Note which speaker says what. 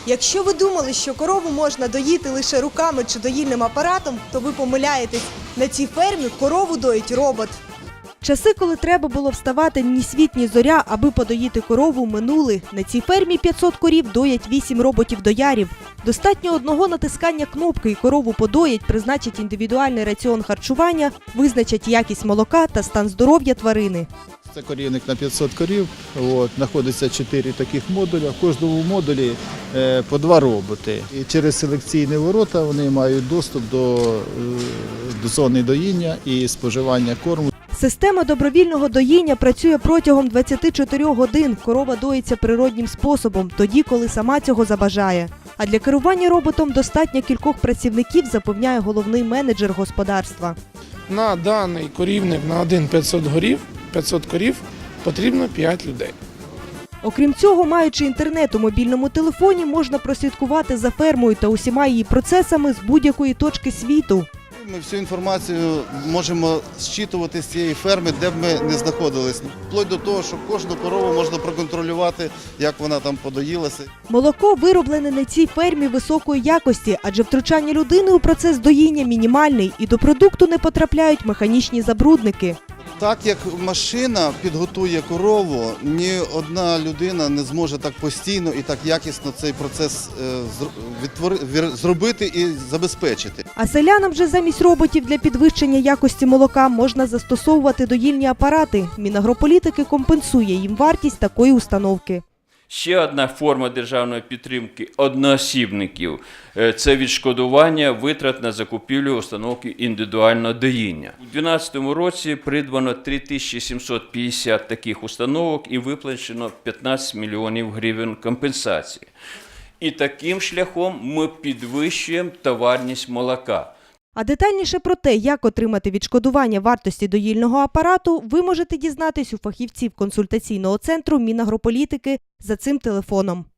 Speaker 1: Якщо ви думали, що корову можна доїти лише руками чи доїльним апаратом, то ви помиляєтесь. На цій фермі корову доїть робот. Часи, коли треба було вставати ні світ, ні зоря, аби подоїти корову, минули. На цій фермі 500 корів доять 8 роботів-доярів. Достатньо одного натискання кнопки і корову подоять, призначать індивідуальний раціон харчування, визначать якість молока та стан здоров'я тварини.
Speaker 2: Це корівник на 500 корів, знаходиться 4 таких модуля, в кожному модулі по 2 роботи. І через селекційні ворота вони мають доступ до зони доїння і споживання корму.
Speaker 1: Система добровільного доїння працює протягом 24 годин. Корова доїться природнім способом, тоді, коли сама цього забажає. А для керування роботом достатньо кількох працівників, запевняє головний менеджер господарства.
Speaker 3: На даний корівник на 500 корів потрібно 5 людей.
Speaker 1: Окрім цього, маючи інтернет у мобільному телефоні, можна прослідкувати за фермою та усіма її процесами з будь-якої точки світу.
Speaker 4: Ми всю інформацію можемо зчитувати з цієї ферми, де б ми не знаходились. Вплоть до того, що кожну корову можна проконтролювати, як вона там подоїлася.
Speaker 1: Молоко вироблене на цій фермі високої якості, адже втручання людини у процес доїння мінімальний і до продукту не потрапляють механічні забрудники.
Speaker 4: Так як машина підготує корову, ні одна людина не зможе так постійно і так якісно цей процес зробити і забезпечити.
Speaker 1: А селянам же замість роботів для підвищення якості молока можна застосовувати доїльні апарати. Мінагрополітики компенсує їм вартість такої установки.
Speaker 5: Ще одна форма державної підтримки одноосібників – це відшкодування витрат на закупівлю установки індивідуального доїння. У 2012 році придбано 3750 таких установок і виплачено 15 мільйонів гривень компенсації. І таким шляхом ми підвищуємо товарність молока.
Speaker 1: А детальніше про те, як отримати відшкодування вартості доїльного апарату, ви можете дізнатись у фахівців консультаційного центру Мінагрополітики за цим телефоном.